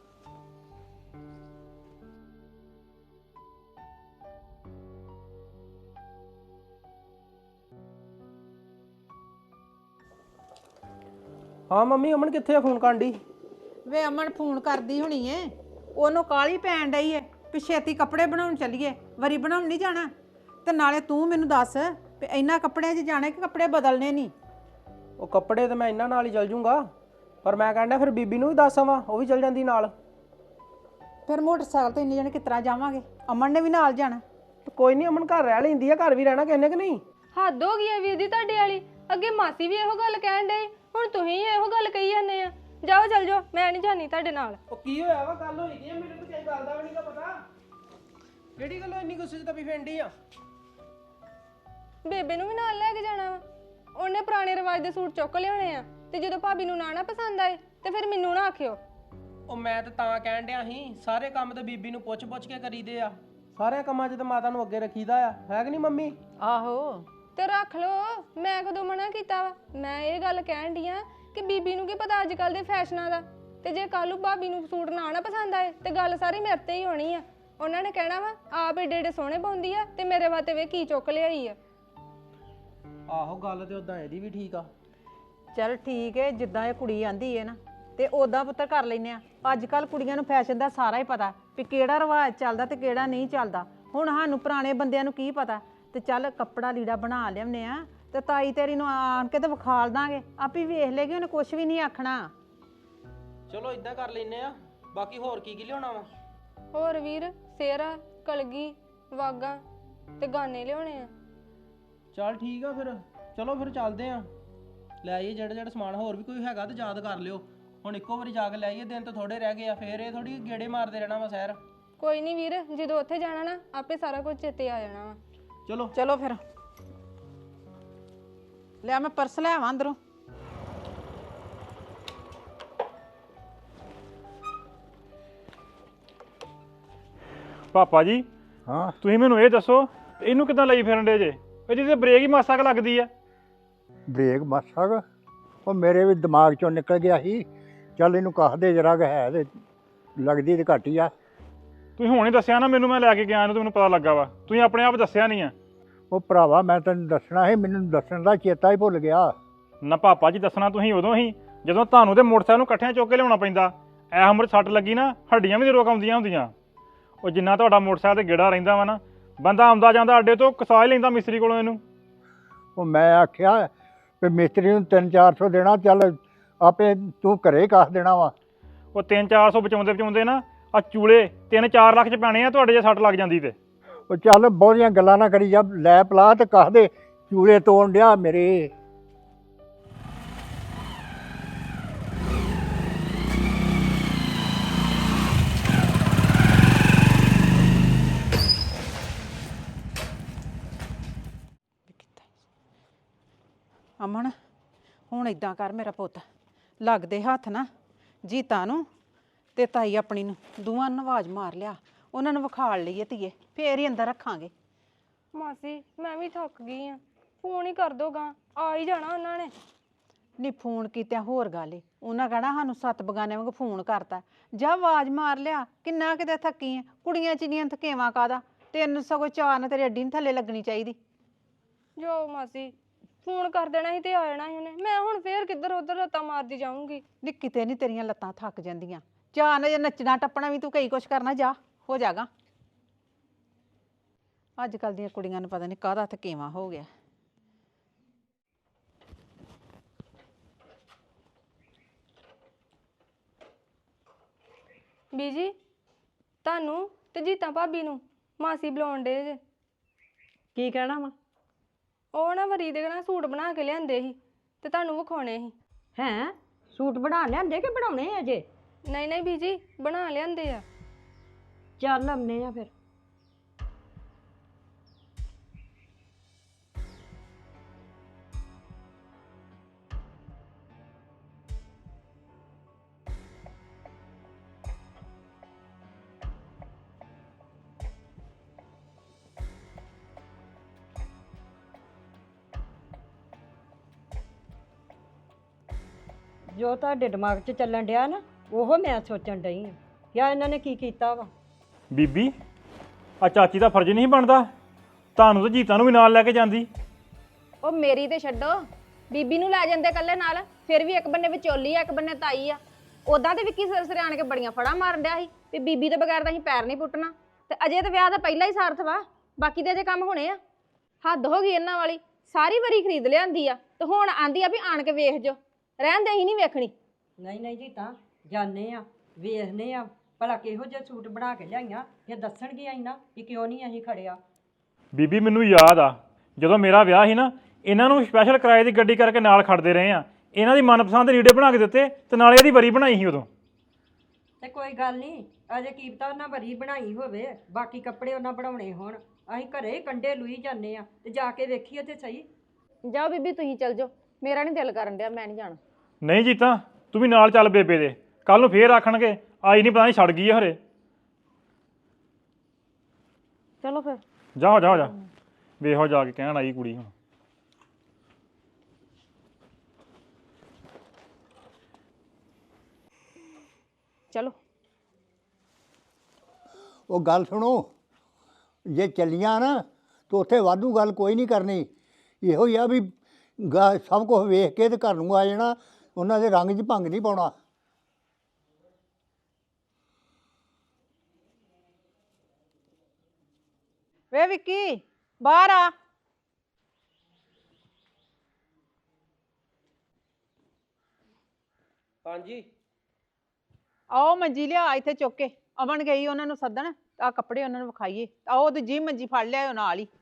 H: ਹਾਂ ਮੰਮੀ ਅਮਨ ਕਿੱਥੇ ਆ? ਫੋਨ ਕਰਨ ਡਈ।
E: ਵੇ ਅਮਨ ਫੋਨ ਕਰਦੀ ਹੋਣੀ ਏ, ਉਹਨੂੰ ਕਾਲੀ ਪੈਣ ਡਈ ਏ ਵੀ ਛੇਤੀ ਕੱਪੜੇ ਬਣਾਉਣ ਚੱਲੀਏ, ਵਰੀ ਬਣਾਉਣ ਨਹੀਂ ਜਾਣਾ। ਤੇ ਨਾਲੇ ਤੂੰ ਮੈਨੂੰ ਦੱਸ ਵੀ ਇੰਨਾ ਕੱਪੜਿਆਂ 'ਚ ਜਾਣਾ ਕਿ ਕੱਪੜੇ ਬਦਲਨੇ ਨਹੀਂ?
H: ਉਹ ਕੱਪੜੇ ਤੇ ਮੈਂ ਇਹਨਾਂ ਨਾਲ ਹੀ ਚੱਲ ਜੂੰਗਾ, ਪਰ ਮੈਂ ਕਹਿੰਦਾ ਫਿਰ ਬੀਬੀ ਨੂੰ ਵੀ ਦੱਸ ਆਵਾਂ, ਉਹ ਵੀ ਚੱਲ ਜਾਂਦੀ ਨਾਲ।
E: ਫਿਰ ਮੋਟਰਸਾਈਕਲ ਤੇ ਇੰਨੇ ਜਣੇ ਕਿਸ ਤਰ੍ਹਾਂ ਜਾਵਾਂਗੇ? ਅਮਨ ਨੇ ਵੀ ਨਾਲ ਜਾਣਾ।
H: ਤੇ ਕੋਈ ਨਹੀਂ ਅਮਨ ਘਰ ਰਹਿ ਲੈਂਦੀ ਆ, ਘਰ ਵੀ ਰਹਿਣਾ ਕਿੰਨੇ ਕਿ ਨਹੀਂ।
F: ਹੱਦ ਹੋ ਗਈ ਆ ਵੀਰ ਦੀ ਤੁਹਾਡੇ ਵਾਲੀ। ਅੱਗੇ ਮਾਸੀ ਵੀ ਇਹੋ ਗੱਲ ਕਹਿਣ ਡਈ, ਹੁਣ ਤੁਸੀਂ ਇਹੋ ਗੱਲ ਕਹੀ ਜਾਂਦੇ ਆ। ਜਾਓ ਚੱਲ ਜਾਓ, ਮੈਂ ਨਹੀਂ ਜਾਣੀ ਤੁਹਾਡੇ ਨਾਲ।
H: ਉਹ ਕੀ ਹੋਇਆ ਵਾ? ਗੱਲ ਹੋਈ ਦੀ ਆ, ਮੈਨੂੰ ਤਾਂ ਕਿਸੇ ਗੱਲ ਦਾ ਵੀ ਨਹੀਂਗਾ ਪਤਾ। ਕਿਹੜੀ ਗੱਲੋਂ ਇੰਨੀ ਗੁੱਸੇ 'ਚ ਤਪੀ ਫੈਂਡੀ ਆ?
F: ਬੇਬੇ ਨੂੰ ਵੀ ਨਾਲ ਲੈ ਕੇ ਜਾਣਾ ਵਾ। ਉਹਨੇ ਪੁਰਾਣੇ ਰਿਵਾਜ ਦੇ ਸੂਟ ਚੁੱਕ ਲਿਆਉਣੇ ਆ, ਤੇ ਜਦੋਂ ਭਾਬੀ ਨੂੰ ਨਾ ਨਾ ਪਸੰਦ ਆਏ ਤੇ ਫਿਰ ਮੈਨੂੰ ਨਾ ਆਖਿਓ।
H: ਉਹ ਮੈਂ ਤਾਂ ਤਾਂ ਕਹਿਣ ਡਿਆ ਸੀ, ਸਾਰੇ ਕੰਮ ਤਾਂ ਬੀਬੀ ਨੂੰ ਪੁੱਛ ਪੁੱਛ ਕੇ ਕਰੀਦੇ ਆ। ਸਾਰੇ ਕੰਮਾਂ 'ਚ ਤਾਂ ਮਾਤਾ ਨੂੰ ਅੱਗੇ ਰੱਖੀਦਾ ਆ, ਹੈ ਕਿ ਨਹੀਂ ਮੰਮੀ?
E: ਆਹੋ
F: ਤੇ ਰੱਖ ਲੋ, ਮੈਂ ਕਦੋਂ ਮਨਾ ਕੀਤਾ ਵਾ? ਮੈਂ ਇਹ ਗੱਲ ਕਹਿਣ ਡਈ ਆ ਕਿ ਬੀਬੀ ਨੂੰ ਕੀ ਪਤਾ ਅੱਜ ਕੱਲ ਦੇ ਫੈਸ਼ਨਾਂ ਦਾ। ਤੇ ਜੇ ਕੱਲ ਨੂੰ ਭਾਬੀ ਨੂੰ ਸੂਟ ਨਾ ਨਾ ਪਸੰਦ ਆਏ ਤੇ ਗੱਲ ਸਾਰੀ ਮੇਰੇ ਤੇ ਹੀ ਹੋਣੀ ਆ। ਉਹਨਾਂ ਨੇ ਕਹਿਣਾ ਵਾ ਆਪ ਏਡੇ ਏਡੇ ਸੋਹਣੇ ਪਾਉਂਦੀ ਆ ਤੇ ਮੇਰੇ ਵਾਸਤੇ ਵੇ ਕੀ ਚੁੱਕ ਲਿਆਈ ਆ।
H: ਆਹੋ ਗੱਲ ਤੇ ਉਦਾਂ ਇਹਦੀ ਵੀ ਠੀਕ ਆ।
E: ਚੱਲ ਠੀਕ ਏ, ਜਿੱਦਾਂ ਇਹ ਕੁੜੀ ਆਂਦੀ ਏ ਨਾ ਤੇ ਉਦਾਂ ਪੁੱਤਰ ਕਰ ਲੈਨੇ ਆ। ਅੱਜ ਕੱਲ ਕੁੜੀਆਂ ਨੂੰ ਫੈਸ਼ਨ ਦਾ ਸਾਰਾ ਹੀ ਪਤਾ ਵੀ ਕਿਹੜਾ ਰਿਵਾਜ ਚੱਲਦਾ ਤੇ ਕਿਹੜਾ ਨਹੀਂ ਚੱਲਦਾ। ਹੁਣ ਸਾਨੂੰ ਪੁਰਾਣੇ ਬੰਦਿਆਂ ਨੂੰ ਕੀ ਪਤਾ। ਤੇ ਚੱਲ ਕੱਪੜਾ ਲੀੜਾ ਬਣਾ ਲਿਆਉਂਦੇ ਆ ਤੇ ਤਾਈ ਤੇਰੀ ਨੂੰ ਆਣ ਕੇ ਤੇ ਵਿਖਾਲ ਦਾਂਗੇ, ਆਪੇ ਵੇਖ ਲੇਗੀ, ਉਹਨੇ ਕੁਝ ਵੀ ਨਹੀਂ ਆਖਣਾ।
H: ਚਲੋ ਇਦਾਂ ਕਰ ਲੈਨੇ ਆ। ਬਾਕੀ ਹੋਰ ਕੀ ਕੀ ਲਿਆਉਣਾ ਵਾ?
F: ਹੋਰ ਵੀਰ ਸੇਰਾ, ਕਲਗੀ, ਵਾਗਾ ਤੇ ਗਾਨੇ ਲਿਆਉਣੇ ਆ।
H: ਚੱਲ ਠੀਕ ਆ ਫਿਰ, ਚਲੋ ਫਿਰ ਚੱਲਦੇ ਆ। ਲੈ ਆਈਏ ਜਿਹੜਾ ਜਿਹੜਾ ਸਮਾਨ, ਹੋਰ ਵੀ ਕੋਈ ਹੈਗਾ ਤੇ ਯਾਦ ਕਰ ਲਿਓ। ਹੁਣ ਇੱਕੋ ਵਾਰੀ ਜਾ ਕੇ ਲੈ ਆਈਏ, ਦਿਨ ਤਾਂ ਥੋੜੇ ਰਹਿ ਗਏ ਆ, ਫੇਰ ਇਹ ਥੋੜੀ ਗੇੜੇ ਮਾਰਦੇ ਰਹਿਣਾ ਵਾ ਸ਼ਹਿਰ।
F: ਕੋਈ ਨਹੀਂ ਵੀਰ, ਜਦੋਂ ਉੱਥੇ ਜਾਣਾ ਨਾ ਆਪੇ ਸਾਰਾ ਕੁਝ ਚੇਤੇ ਆ ਜਾਣਾ ਵਾ।
H: ਚਲੋ
E: ਚਲੋ ਫਿਰ ਲੈ ਮੈਂ ਪਰਸ ਲੈ ਆਵਾਂ ਅੰਦਰੋਂ।
C: ਪਾਪਾ ਜੀ
G: ਹਾਂ
C: ਤੁਸੀਂ ਮੈਨੂੰ ਇਹ ਦੱਸੋ, ਇਹਨੂੰ ਕਿੱਦਾਂ ਲਈ ਫਿਰਨ ਡੇ ਜੇ? ਇਹਦੀ ਤੇ ਬ੍ਰੇਕ ਹੀ ਮਾਸਾ ਕੁ ਲੱਗਦੀ ਆ।
G: ਬ੍ਰੇਕ ਮਾਸਾ ਕੁ? ਉਹ ਮੇਰੇ ਵੀ ਦਿਮਾਗ ਚੋਂ ਨਿਕਲ ਗਿਆ ਸੀ। ਚੱਲ ਇਹਨੂੰ ਕਾਹ ਦੇ ਜਰਾ ਕੁ ਹੈ ਤੇ ਲੱਗਦੀ ਤੇ ਘੱਟ ਹੀ ਆ।
C: ਤੁਸੀਂ ਹੁਣ ਹੀ ਦੱਸਿਆ ਨਾ ਮੈਨੂੰ, ਮੈਂ ਲੈ ਕੇ ਗਿਆ ਇਹਨੂੰ ਤੇ ਮੈਨੂੰ ਪਤਾ ਲੱਗਾ ਵਾ। ਤੁਸੀਂ ਆਪਣੇ ਆਪ ਦੱਸਿਆ ਨਹੀਂ ਆ।
G: ਉਹ ਭਰਾਵਾ ਮੈਂ ਤੈਨੂੰ ਦੱਸਣਾ ਸੀ, ਮੈਨੂੰ ਦੱਸਣ ਦਾ ਚੇਤਾ ਹੀ ਭੁੱਲ ਗਿਆ।
C: ਨਾ ਪਾਪਾ ਜੀ, ਦੱਸਣਾ ਤੁਸੀਂ ਉਦੋਂ ਹੀ ਜਦੋਂ ਤੁਹਾਨੂੰ ਤੇ ਮੋਟਰਸਾਈਕਲ ਨੂੰ ਇਕੱਠਿਆਂ ਚੁੱਕ ਕੇ ਲਿਆਉਣਾ ਪੈਂਦਾ। ਐ ਉਮਰ ਸੱਟ ਲੱਗੀ ਨਾ, ਹੱਡੀਆਂ ਵੀ ਰੋਕ ਆਉਂਦੀਆਂ ਹੁੰਦੀਆਂ। ਉਹ ਜਿੰਨਾ ਤੁਹਾਡਾ ਮੋਟਰਸਾਈਕਲ ਤੇ ਗੇੜਾ ਰਹਿੰਦਾ ਵਾ ਨਾ, ਬੰਦਾ ਆਉਂਦਾ ਜਾਂਦਾ ਅੱਡੇ ਤੋਂ ਕਸਾ ਹੀ ਲੈਂਦਾ ਮਿਸਤਰੀ ਕੋਲੋਂ ਇਹਨੂੰ।
G: ਉਹ ਮੈਂ ਆਖਿਆ ਵੀ ਮਿਸਤਰੀ ਨੂੰ ਤਿੰਨ ਚਾਰ ਸੌ ਦੇਣਾ, ਚੱਲ ਆਪੇ ਤੂੰ ਘਰੇ ਕਾਹ ਦੇਣਾ ਵਾ।
C: ਉਹ ਤਿੰਨ ਚਾਰ ਸੌ ਬਚਾਉਂਦੇ ਬਚਾਉਂਦੇ ਨਾ ਆ ਚੂਲੇ ਤਿੰਨ ਚਾਰ ਲੱਖ ਚ ਪੈਣੇ ਆ ਤੁਹਾਡੇ ਜੇ ਸੱਟ ਲੱਗ ਜਾਂਦੀ ਤੇ।
G: ਉਹ ਚੱਲ ਬਹੁਤੀਆਂ ਗੱਲਾਂ ਨਾ ਕਰੀ ਜਾ, ਲੈ ਪਲਾ ਤੇ ਕਾਹ ਦੇ ਚੂਲੇ ਤੋੜ ਡਿਆ ਮੇਰੇ।
E: ਅਮਨ ਹੁਣ ਇਦਾਂ ਕਰ ਮੇਰਾ ਪੁੱਤ, ਲੱਗਦੇ ਹੱਥ ਨਾ ਜੀਤਾ ਨੂੰ ਤੇ ਤਾਈ ਆਪਣੀ ਨੂੰ ਦੋਵਾਂ ਨੂੰ ਆਵਾਜ਼ ਮਾਰ ਲਿਆ, ਉਹਨਾਂ ਨੂੰ ਵਿਖਾਲ ਲਈਏ ਧੀਏ, ਫੇਰ ਹੀ ਅੰਦਰ ਰੱਖਾਂਗੇ।
F: ਮਾਸੀ ਮੈਂ ਵੀ ਥੱਕ ਗਈ ਆ, ਫੋਨ ਹੀ ਕਰ ਦੋਗਾ, ਆ ਹੀ ਜਾਣਾ ਉਹਨਾਂ ਨੇ।
E: ਨਹੀਂ ਫੋਨ ਕੀਤਿਆਂ ਹੋਰ ਗੱਲ ਏ, ਉਹਨਾਂ ਕਹਿਣਾ ਸਾਨੂੰ ਸੱਤ ਬਗਾਨੇ ਵਾਂਗ ਫੋਨ ਕਰਤਾ। ਜਾ ਆਵਾਜ਼ ਮਾਰ ਲਿਆ, ਕਿੰਨਾ ਕਿਤੇ ਥੱਕੀ ਆ, ਕੁੜੀਆਂ ਚਿੰਨੀਆਂ ਥਕੇਵਾਂ ਕਾਦਾ, ਤੈਨੂੰ ਸਗੋਂ ਚਾਰ ਨਾ ਤੇਰੀ ਅੱਡੀ ਨਹੀਂ ਥੱਲੇ ਲੱਗਣੀ ਚਾਹੀਦੀ।
F: ਜੋ ਮਾਸੀ ਫੋਨ ਕਰ ਦੇਣਾ ਸੀ ਤੇ ਆ ਜਾਣਾ ਸੀ ਉਹਨੇ, ਮੈਂ ਹੁਣ ਫੇਰ ਕਿੱਧਰ ਉੱਧਰ ਰੱਤਾਂ ਮਾਰਦੀ ਜਾਊਂਗੀ।
E: ਨੀ ਕਿਤੇ ਨਹੀਂ ਤੇਰੀਆਂ ਲੱਤਾਂ ਥੱਕ ਜਾਂਦੀਆਂ, ਜਾ ਨਾ ਜੇ ਨੱਚਣਾ ਟੱਪਣਾ ਵੀ ਤੂੰ ਕਈ ਕੁਛ ਕਰਨਾ, ਜਾ ਹੋ ਜਾਗਾ। ਅੱਜ ਕੱਲ ਦੀਆਂ ਕੁੜੀਆਂ ਨੂੰ ਪਤਾ ਨਹੀਂ ਕਾਹਦਾ ਥਕੇਵਾਂ ਹੋ ਗਿਆ।
F: ਬੀਜੀ ਤੁਹਾਨੂੰ ਤੇ ਜੀਤਾ ਭਾਬੀ ਨੂੰ ਮਾਸੀ ਬੁਲਾਉਣ ਡੇ ਜੇ।
J: ਕੀ ਕਹਿਣਾ ਵਾ?
F: ਉਹ ਨਾ ਵਰੀ ਦੇ ਨਾਲ ਸੂਟ ਬਣਾ ਕੇ ਲਿਆਂਦੇ ਸੀ ਤੇ ਤੁਹਾਨੂੰ ਵਿਖਾਉਣੇ ਸੀ।
J: ਹੈਂ, ਸੂਟ ਬਣਾ ਲਿਆਂਦੇ ਕਿ ਬਣਾਉਣੇ ਆ ਅਜੇ?
F: ਨਹੀਂ ਨਹੀਂ ਬੀਜੀ ਬਣਾ ਲਿਆਂਦੇ ਆ।
J: ਚੱਲ ਆਉਂਦੇ ਆ ਫਿਰ। ਜੋ ਤੁਹਾਡੇ ਦਿਮਾਗ 'ਚ ਚੱਲਣ ਡਿਆ ਨਾ ਉਹ ਮੈਂ ਸੋਚਣ ਡਈ ਹਾਂ ਯਾ ਇਹਨਾਂ ਨੇ ਕੀ ਕੀਤਾ ਵਾ।
K: ਬੀਬੀ ਆ ਚਾਚੀ ਦਾ ਫਰਜ਼ ਨਹੀਂ ਬਣਦਾ ਤੁਹਾਨੂੰ ਤਾਂ ਜੀਤਾਂ ਨੂੰ ਵੀ ਨਾਲ ਲੈ ਕੇ ਜਾਂਦੀ।
I: ਉਹ ਮੇਰੀ ਤੇ ਛੱਡੋ, ਬੀਬੀ ਨੂੰ ਲੈ ਜਾਂਦੇ ਕੱਲੇ ਨਾਲ, ਫਿਰ ਵੀ ਇੱਕ ਬੰਨੇ ਵਿਚੋਲੀ ਆ ਇੱਕ ਬੰਨੇ ਤਾਈ ਆ। ਉਦਾਂ ਤੇ ਵਿੱਕੀ ਸਿਰ ਸਿਰ ਆਣ ਕੇ ਬੜੀਆਂ ਫੜਾਂ ਮਾਰਨ ਡਿਆ ਸੀ ਵੀ ਬੀਬੀ ਤੋਂ ਬਗੈਰ ਤਾਂ ਅਸੀਂ ਪੈਰ ਨਹੀਂ ਪੁੱਟਣਾ, ਤੇ ਅਜੇ ਤਾਂ ਵਿਆਹ ਦਾ ਪਹਿਲਾਂ ਹੀ ਸਾਰਥ ਵਾ, ਬਾਕੀ ਦੇ ਅਜੇ ਕੰਮ ਹੋਣੇ ਆ। ਹੱਦ ਹੋ ਗਈ ਇਹਨਾਂ ਵਾਲੀ, ਸਾਰੀ ਵਾਰੀ ਖਰੀਦ ਲਿਆਂਦੀ ਆ ਤੇ ਹੁਣ ਆਂਦੀ ਆ ਵੀ ਆਣ ਕੇ ਵੇਖ ਜੋ, ਰਹਿਣ ਦੇ ਹੀ ਨਹੀਂ ਵੇਖਣੀ।
J: ਨਹੀਂ ਨਹੀਂ ਜੀ ਤਾਂ ਜਾਣੇ ਆ ਵੇਖਨੇ ਆ ਭਲਾ ਕਿਹੋ ਜਿਹਾ ਸੂਟ ਬਣਾ ਕੇ ਲਿਆਈਆਂ ਜਾਂ ਦੱਸਣਗੀਆਂ ਹੀ ਨਾ ਕਿ ਕਿਉਂ ਨਹੀਂ ਅਸੀਂ ਖੜਿਆ।
K: ਬੀਬੀ ਮੈਨੂੰ ਯਾਦ ਆ ਜਦੋਂ ਮੇਰਾ ਵਿਆਹ ਸੀ ਨਾ ਇਹਨਾਂ ਨੂੰ ਸਪੈਸ਼ਲ ਕਿਰਾਏ ਦੀ ਗੱਡੀ ਕਰਕੇ ਨਾਲ ਖੜਦੇ ਰਹੇ ਆ, ਇਹਨਾਂ ਦੀ ਮਨਪਸੰਦ ਰੀੜੇ ਬਣਾ ਕੇ ਦਿੱਤੇ ਤੇ ਨਾਲੇ ਇਹਦੀ ਵਰੀ ਬਣਾਈ ਸੀ ਉਦੋਂ।
J: ਤੇ ਕੋਈ ਗੱਲ ਨਹੀਂ ਅਜੇ ਕੀ ਪਤਾ ਉਹਨਾਂ ਵਰੀ ਬਣਾਈ ਹੋਵੇ, ਬਾਕੀ ਕੱਪੜੇ ਉਹਨਾਂ ਬਣਾਉਣੇ ਹੋਣ। ਅਸੀਂ ਘਰੇ ਕੰਡੇ ਲੁਈ ਜਾਂਦੇ ਆ ਤੇ ਜਾ ਕੇ ਵੇਖੀਏ ਤੇ ਸਹੀ।
I: ਜਾਓ ਬੀਬੀ ਤੁਸੀਂ ਚੱਲ ਜਾਓ, ਮੇਰਾ ਨਹੀਂ ਦਿਲ ਕਰਨ ਡਿਆ, ਮੈਂ ਨਹੀਂ ਜਾਣਾ।
K: ਨਹੀਂ ਜੀਤਾ ਤੂੰ ਵੀ ਨਾਲ ਚੱਲ ਬੇਬੇ ਦੇ, ਕੱਲ ਨੂੰ ਫੇਰ ਆਖਣਗੇ ਆਈ ਨਹੀਂ ਪਤਾ ਨਹੀਂ ਛੱਡ ਗਈ ਹੈ ਹਰੇ।
I: ਚਲੋ ਫਿਰ
K: ਜਾਓ ਜਾਓ ਜਾ ਵੇਖੋ ਜਾ ਕੇ ਕਹਿਣ ਆਈ ਕੁੜੀ ਹੁਣ।
I: ਚਲੋ
G: ਉਹ ਗੱਲ ਸੁਣੋ, ਜੇ ਚੱਲੀਆਂ ਨਾ ਤਾਂ ਉੱਥੇ ਵਾਧੂ ਗੱਲ ਕੋਈ ਨਹੀਂ ਕਰਨੀ। ਇਹੋ ਹੀ ਆ ਵੀ ਗਾ ਸਭ ਕੁਝ ਵੇਖ ਕੇ ਤੇ ਘਰ ਨੂੰ ਆ ਜਾਣਾ, ਉਹਨਾਂ ਦੇ ਰੰਗ 'ਚ ਭੰਗ ਨਹੀਂ ਪਾਉਣਾ।
E: ਵੇ ਵਿੱਕੀ ਬਾਹਰ ਆ।
H: ਹਾਂਜੀ
E: ਆਓ ਮੰਜੀ ਲਿਆ ਇੱਥੇ ਚੁੱਕ ਕੇ। ਅਮਨ ਗਈ ਉਹਨਾਂ ਨੂੰ ਸੱਦਣ, ਆ ਕੱਪੜੇ ਉਹਨਾਂ ਨੂੰ ਵਿਖਾਈਏ। ਆਓ ਦੂਜੀ ਮੰਜੀ ਫੜ ਲਿਆਓ ਨਾਲ ਹੀ।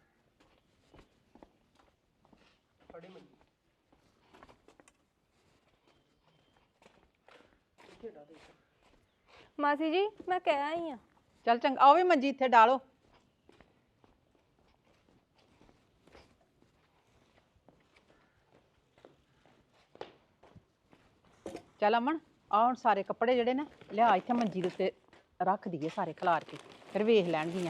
F: ਮਾਸੀ ਜੀ ਮੈਂ ਕਹਿ ਆਈ ਆ।
E: ਚੱਲ ਚੰਗਾ, ਆਓ ਵੀ ਮੰਜੀ ਇੱਥੇ ਡਾਲੋ। ਚੱਲ ਅਮਨ ਆ ਹੁਣ ਸਾਰੇ ਕੱਪੜੇ ਜਿਹੜੇ ਨਾ ਲਿਆ ਇੱਥੇ ਮੰਜੀ ਦੇ ਉੱਤੇ ਰੱਖ ਦਈਏ ਸਾਰੇ ਖਿਲਾਰ ਕੇ, ਫਿਰ ਵੇਖ ਲੈਣਗੀਆਂ।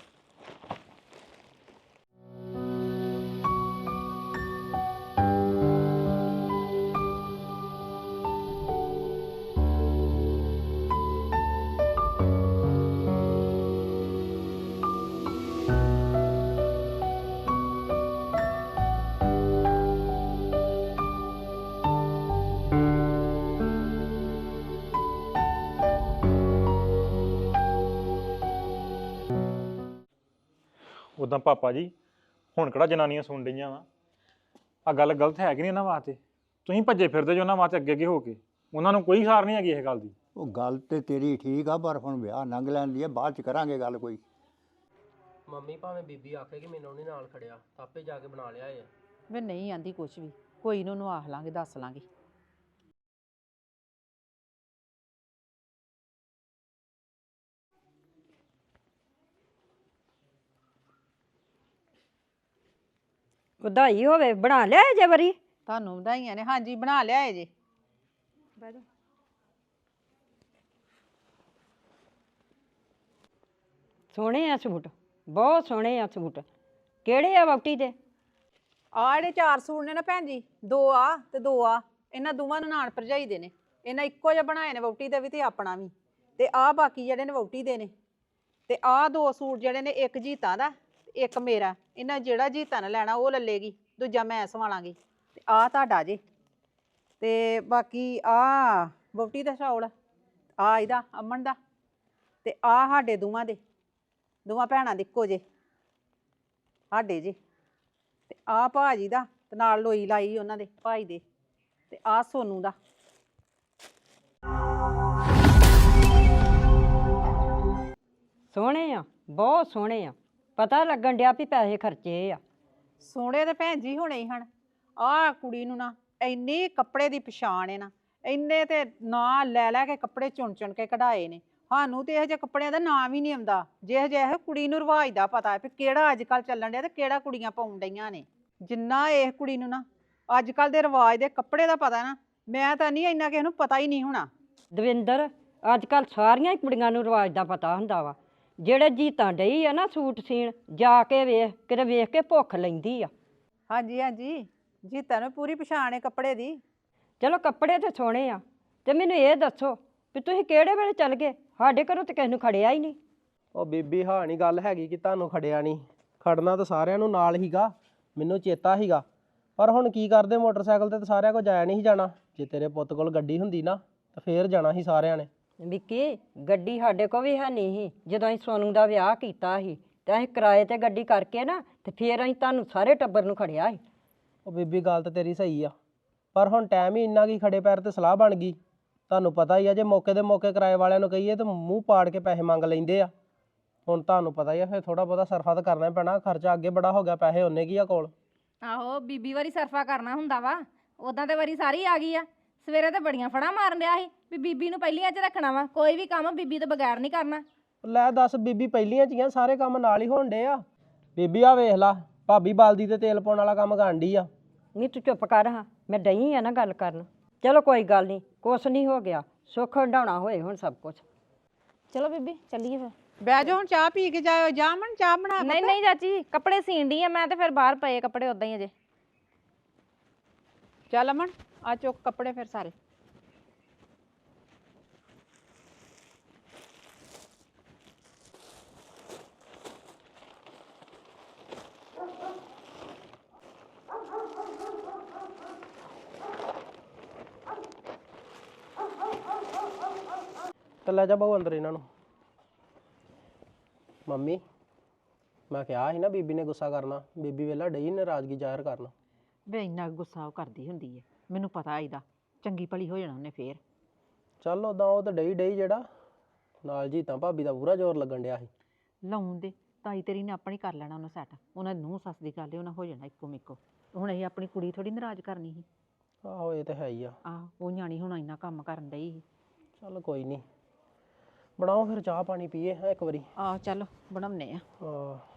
K: ਉਦਾਂ ਪਾਪਾ ਜੀ ਹੁਣ ਕਿਹੜਾ ਜਨਾਨੀਆਂ ਸੁਣ ਰਹੀਆਂ ਵਾ, ਆ ਗੱਲ ਗਲਤ ਹੈ ਕਿ ਨਹੀਂ ਇਹਨਾਂ ਵਾਸਤੇ? ਤੁਸੀਂ ਭੱਜੇ ਫਿਰਦੇ ਜੋ ਉਹਨਾਂ ਵਾਸਤੇ ਅੱਗੇ ਅੱਗੇ ਹੋ ਕੇ, ਉਹਨਾਂ ਨੂੰ ਕੋਈ ਸਾਰ ਨਹੀਂ ਹੈਗੀ ਇਹ ਗੱਲ ਦੀ।
G: ਉਹ ਗੱਲ ਤੇ ਤੇਰੀ ਠੀਕ ਆ, ਪਰ ਹੁਣ ਵਿਆਹ ਲੰਘ ਲੈਣ ਦੀ ਆ, ਬਾਅਦ 'ਚ ਕਰਾਂਗੇ ਗੱਲ ਕੋਈ।
H: ਮੰਮੀ ਭਾਵੇਂ ਬੀਬੀ ਆਖੇ ਕਿ ਮੈਨੂੰ ਨਹੀਂ ਨਾਲ ਖੜਿਆ ਤਾਂ ਆਪੇ ਜਾ ਕੇ ਬਣਾ ਲਿਆ ਏ।
E: ਵੇ ਨਹੀਂ ਆਂਦੀ ਕੁਛ ਵੀ, ਕੋਈ ਨੂੰ ਉਹਨੂੰ ਆਖ ਲਾਂਗੇ, ਦੱਸ ਲਾਂਗੇ।
J: ਵਧਾਈ ਹੋਵੇ, ਬਣਾ ਲਿਆ ਜੇ ਵਰੀ?
E: ਤੁਹਾਨੂੰ ਵਧਾਈਆਂ ਨੇ। ਹਾਂਜੀ ਬਣਾ ਲਿਆਏ ਜੇ।
J: ਸੋਹਣੇ ਆ ਸੂਟ, ਬਹੁਤ ਸੋਹਣੇ ਆ ਸੂਟ। ਕਿਹੜੇ ਆ ਵਹੁਟੀ ਦੇ?
E: ਆਹ ਜਿਹੜੇ ਚਾਰ ਸੂਟ ਨੇ ਨਾ ਭੈਣ ਜੀ, ਦੋ ਆ ਤੇ ਦੋ ਆ, ਇਹਨਾਂ ਦੋਵਾਂ ਨੂੰ ਨਾਨ ਭਰਜਾਈ ਦੇ ਨੇ। ਇਹਨਾਂ ਇੱਕੋ ਜਿਹਾ ਬਣਾਏ ਨੇ, ਵਹੁਟੀ ਦਾ ਵੀ ਤੇ ਆਪਣਾ ਵੀ। ਤੇ ਆਹ ਬਾਕੀ ਜਿਹੜੇ ਨੇ ਵਹੁਟੀ ਦੇ ਨੇ। ਤੇ ਆਹ ਦੋ ਸੂਟ ਜਿਹੜੇ ਨੇ, ਇੱਕ ਜੀਤਾਂ ਦਾ ਇੱਕ ਮੇਰਾ। ਇਹਨਾਂ ਜਿਹੜਾ ਜੀਤਾਂ ਨੇ ਲੈਣਾ ਉਹ ਲੱਲੇਗੀ, ਦੂਜਾ ਮੈਂ ਸਵਾਲਾਂਗੀ। ਤੇ ਆਹ ਤੁਹਾਡਾ ਜੇ। ਤੇ ਬਾਕੀ ਆਹ ਵਹੁਟੀ ਦਾ ਸ਼ੌਲ, ਆਹ ਇਹਦਾ ਅਮਨ ਦਾ, ਤੇ ਆਹ ਸਾਡੇ ਦੋਵਾਂ ਦੇ, ਦੋਵਾਂ ਭੈਣਾਂ ਦੇ ਇੱਕੋ ਜੇ ਸਾਡੇ ਜੇ। ਤੇ ਆਹ ਭਾਜੀ ਦਾ, ਤੇ ਨਾਲ ਲੋਈ ਲਾਈ ਉਹਨਾਂ ਦੇ ਭਾਈ ਦੇ। ਤੇ ਆਹ ਸੋਨੂ ਦਾ।
J: ਸੋਹਣੇ ਆ, ਬਹੁਤ ਸੋਹਣੇ ਆ। ਪਤਾ ਲੱਗਣ ਡਿਆ ਵੀ ਪੈਸੇ ਖਰਚੇ ਆ।
E: ਸੋਹਣੇ ਤੇ ਭੈਣ ਜੀ ਹੋਣੇ ਹੀ ਹਨ। ਆਹ ਕੁੜੀ ਨੂੰ ਨਾ ਇੰਨੀ ਕੱਪੜੇ ਦੀ ਪਛਾਣ ਹੈ ਨਾ, ਇੰਨੇ ਤੇ ਨਾਂ ਲੈ ਲੈ ਕੇ ਕੱਪੜੇ ਚੁਣ ਚੁਣ ਕੇ ਕਢਾਏ ਨੇ। ਸਾਨੂੰ ਤੇ ਇਹੋ ਜਿਹੇ ਕੱਪੜਿਆਂ ਦਾ ਨਾਮ ਹੀ ਨਹੀਂ ਆਉਂਦਾ। ਜਿਹੋ ਜਿਹੇ ਕੁੜੀ ਨੂੰ ਰਿਵਾਜ ਦਾ ਪਤਾ ਵੀ ਕਿਹੜਾ ਅੱਜ ਕੱਲ੍ਹ ਚੱਲਣ ਡਿਆ ਤੇ ਕਿਹੜਾ ਕੁੜੀਆਂ ਪਾਉਣ ਡਈਆਂ ਨੇ। ਜਿੰਨਾ ਇਹ ਕੁੜੀ ਨੂੰ ਨਾ ਅੱਜ ਕੱਲ੍ਹ ਦੇ ਰਿਵਾਜ ਦੇ ਕੱਪੜੇ ਦਾ ਪਤਾ ਨਾ, ਮੈਂ ਤਾਂ ਨਹੀਂ ਇੰਨਾ ਕਿਸੇ ਨੂੰ ਪਤਾ ਹੀ ਨਹੀਂ ਹੋਣਾ।
J: ਦਵਿੰਦਰ, ਅੱਜ ਕੱਲ੍ਹ ਸਾਰੀਆਂ ਹੀ ਕੁੜੀਆਂ ਨੂੰ ਰਿਵਾਜ ਦਾ ਪਤਾ ਹੁੰਦਾ ਵਾ। ਜਿਹੜੇ ਜੀਤਾਂ ਡਈ ਆ ਨਾ ਸੂਟ ਸੀਣ, ਜਾ ਕੇ ਵੇਖ ਕਿਤੇ, ਵੇਖ ਕੇ ਭੁੱਖ ਲੈਂਦੀ ਆ।
E: ਹਾਂਜੀ ਹਾਂਜੀ, ਜੀਤਾਂ ਨੂੰ ਪੂਰੀ ਪਛਾਣ ਹੈ ਕੱਪੜੇ ਦੀ।
J: ਚਲੋ ਕੱਪੜੇ ਤੇ ਸੋਹਣੇ ਆ ਤੇ ਮੈਨੂੰ ਇਹ ਦੱਸੋ ਵੀ ਤੁਸੀਂ ਕਿਹੜੇ ਵੇਲੇ ਚੱਲ ਗਏ? ਸਾਡੇ ਘਰੋਂ ਤੇ ਕਿਸੇ ਨੂੰ ਖੜਿਆ ਹੀ ਨਹੀਂ।
H: ਉਹ ਬੀਬੀ ਹਾਂ ਨਹੀਂ ਗੱਲ ਹੈਗੀ ਕਿ ਤੁਹਾਨੂੰ ਖੜਿਆ ਨਹੀਂ, ਖੜਨਾ ਤਾਂ ਸਾਰਿਆਂ ਨੂੰ ਨਾਲ ਹੀਗਾ, ਮੈਨੂੰ ਚੇਤਾ ਹੀਗਾ। ਪਰ ਹੁਣ ਕੀ ਕਰਦੇ, ਮੋਟਰਸਾਈਕਲ ਤੇ ਤਾਂ ਸਾਰਿਆਂ ਕੋਲ ਜਾਇਆ ਨਹੀਂ ਸੀ ਜਾਣਾ। ਜੇ ਤੇਰੇ ਪੁੱਤ ਕੋਲ ਗੱਡੀ ਹੁੰਦੀ ਨਾ ਤਾਂ ਫੇਰ ਜਾਣਾ ਸੀ ਸਾਰਿਆਂ ਨੇ।
J: ਵਿੱਕੀ ਗੱਡੀ ਸਾਡੇ ਕੋਲ ਵੀ ਹੈ ਨਹੀਂ ਸੀ ਜਦੋਂ ਅਸੀਂ ਸੋਨੂੰ ਦਾ ਵਿਆਹ ਕੀਤਾ ਸੀ, ਤੇ ਅਸੀਂ ਕਿਰਾਏ ਤੇ ਗੱਡੀ ਕਰਕੇ ਨਾ ਤੇ ਫੇਰ ਅਸੀਂ ਤੁਹਾਨੂੰ ਸਾਰੇ ਟੱਬਰ ਨੂੰ ਖੜਿਆ ਸੀ।
H: ਉਹ ਬੀਬੀ ਗੱਲ ਤਾਂ ਤੇਰੀ ਸਹੀ ਆ, ਪਰ ਹੁਣ ਟਾਈਮ ਹੀ ਇੰਨਾ ਕੀ ਖੜੇ ਪੈਰ ਤੇ ਸਲਾਹ ਬਣ ਗਈ। ਤੁਹਾਨੂੰ ਪਤਾ ਹੀ ਆ ਜੇ ਮੌਕੇ ਦੇ ਮੌਕੇ ਕਿਰਾਏ ਵਾਲਿਆਂ ਨੂੰ ਕਹੀਏ ਤਾਂ ਮੂੰਹ ਪਾੜ ਕੇ ਪੈਸੇ ਮੰਗ ਲੈਂਦੇ ਆ। ਹੁਣ ਤੁਹਾਨੂੰ ਪਤਾ ਹੀ ਆ ਫਿਰ ਥੋੜਾ ਬਹੁਤਾ ਸਰਫਾ ਤਾਂ ਕਰਨਾ ਹੀ ਪੈਣਾ, ਖਰਚਾ ਅੱਗੇ ਬੜਾ ਹੋ ਗਿਆ, ਪੈਸੇ ਉਹਨੇ ਕੀ ਆ ਕੋਲ।
I: ਆਹੋ ਬੀਬੀ ਵਾਰੀ ਸਰਫਾ ਕਰਨਾ ਹੁੰਦਾ ਵਾ, ਉਦਾਂ ਤੇ ਵਾਰੀ ਸਾਰੀ ਆ ਗਈ ਆ। ਸਵੇਰੇ ਤੇ ਬੜੀਆਂ ਫੜਾਂ ਮਾਰਨ ਡਿਆ ਸੀ ਵੀ ਬੀਬੀ ਨੂੰ ਪਹਿਲੀਆਂ 'ਚ ਰੱਖਣਾ ਵਾ, ਕੋਈ ਵੀ ਕੰਮ ਬੀਬੀ ਤੋਂ ਬਗੈਰ ਨਹੀਂ ਕਰਨਾ।
H: ਲੈ ਦੱਸ ਬੀਬੀ ਪਹਿਲੀਆਂ ਚੀਆਂ ਸਾਰੇ ਕੰਮ ਨਾਲ ਹੀ ਹੋਣ ਡੇ ਆ। ਬੀਬੀ ਆ ਵੇਖ ਲਾ ਭਾਬੀ ਬਾਲਦੀ ਤੇ ਤੇਲ ਪਾਉਣ ਵਾਲਾ ਕੰਮ ਕਰਨ ਡਈ ਆ।
J: ਨਹੀਂ ਤੂੰ ਚੁੱਪ ਕਰ ਹਾਂ, ਮੈਂ ਡਈ ਆ ਨਾ ਗੱਲ ਕਰਨ। ਚਲੋ ਕੋਈ ਗੱਲ ਨਹੀਂ, ਕੁਛ ਨਹੀਂ ਹੋ ਗਿਆ, ਸੁੱਖ ਹੰਡਾਉਣਾ ਹੋਏ ਹੁਣ ਸਭ ਕੁਛ।
A: ਚਲੋ ਬੀਬੀ ਚੱਲੀਏ ਫਿਰ।
E: ਬਹਿ ਜਾ ਹੁਣ, ਚਾਹ ਪੀ ਕੇ ਜਾਇਓ। ਜਾਮਣ ਚਾਹ ਬਣਾ।
I: ਨਹੀਂ ਨਹੀਂ ਚਾਚੀ ਕੱਪੜੇ ਸੀਣ ਡਈ ਆ ਮੈਂ, ਤੇ ਫਿਰ ਬਾਹਰ ਪਏ ਕੱਪੜੇ ਉਦਾਂ ਹੀ ਅਜੇ।
E: ਚੱਲ ਅਮਨ ਆ ਚੁੱਕ ਕੱਪੜੇ ਫਿਰ ਸਾਰੇ।
H: ਤੇ ਲੈ ਜਾ ਬਹੁ ਅੰਦਰ ਇਹਨਾਂ ਨੂੰ। ਮੰਮੀ ਮੈਂ ਕਿਹਾ ਸੀ ਨਾ ਬੀਬੀ ਨੇ ਗੁੱਸਾ ਕਰਨਾ, ਬੀਬੀ ਵੇਲਾ ਡਈ ਨਾਰਾਜ਼ਗੀ ਜ਼ਾਹਿਰ ਕਰਨ।
E: ਵੇ ਇੰਨਾ ਗੁੱਸਾ ਉਹ ਕਰਦੀ ਹੁੰਦੀ ਹੈ, ਮੈਨੂੰ ਪਤਾ ਇਹਦਾ। ਚੰਗੀ ਭਲੀ ਹੋ ਜਾਣਾ ਉਹਨੇ ਫੇਰ।
H: ਚੱਲ ਉਦਾਂ ਉਹ ਤਾਂ ਡਈ ਡਈ ਜਿਹੜਾ ਨਾਲ ਜੀ ਤਾਂ ਭਾਬੀ ਦਾ ਪੂਰਾ ਜ਼ੋਰ ਲੱਗਣ ਡਿਆ ਸੀ।
E: ਲਾਉਣ ਦੇ ਤਾਈ ਤੇਰੀ ਨੇ ਆਪਣੀ ਕਰ ਲੈਣਾ ਉਹਨੂੰ ਸੈੱਟ। ਉਹਨਾਂ ਨੂੰ ਸੱਸ ਦੀ ਗੱਲ ਹੈ, ਉਹਨਾਂ ਹੋ ਜਾਣਾ ਇੱਕੋ ਮਿੱਕੋ। ਹੁਣ ਅਸੀਂ ਆਪਣੀ ਕੁੜੀ ਥੋੜੀ ਨਾਰਾਜ਼ ਕਰਨੀ ਸੀ।
H: ਆਹੋ ਇਹ ਤਾਂ ਹੈ ਹੀ ਆ।
E: ਆਹ ਉਹ ਨਿਆਣੀ ਹੁਣ ਇੰਨਾ ਕੰਮ ਕਰਨ ਡਈ ਸੀ।
H: ਚੱਲ ਕੋਈ ਨਹੀਂ, ਬਣਾਓ ਫਿਰ ਚਾਹ ਪਾਣੀ ਪੀਏ ਹੈ ਇੱਕ ਵਾਰੀ।
E: ਆਹ ਚੱਲ ਬਣਾਉਨੇ ਆ।
H: ਹਾਂ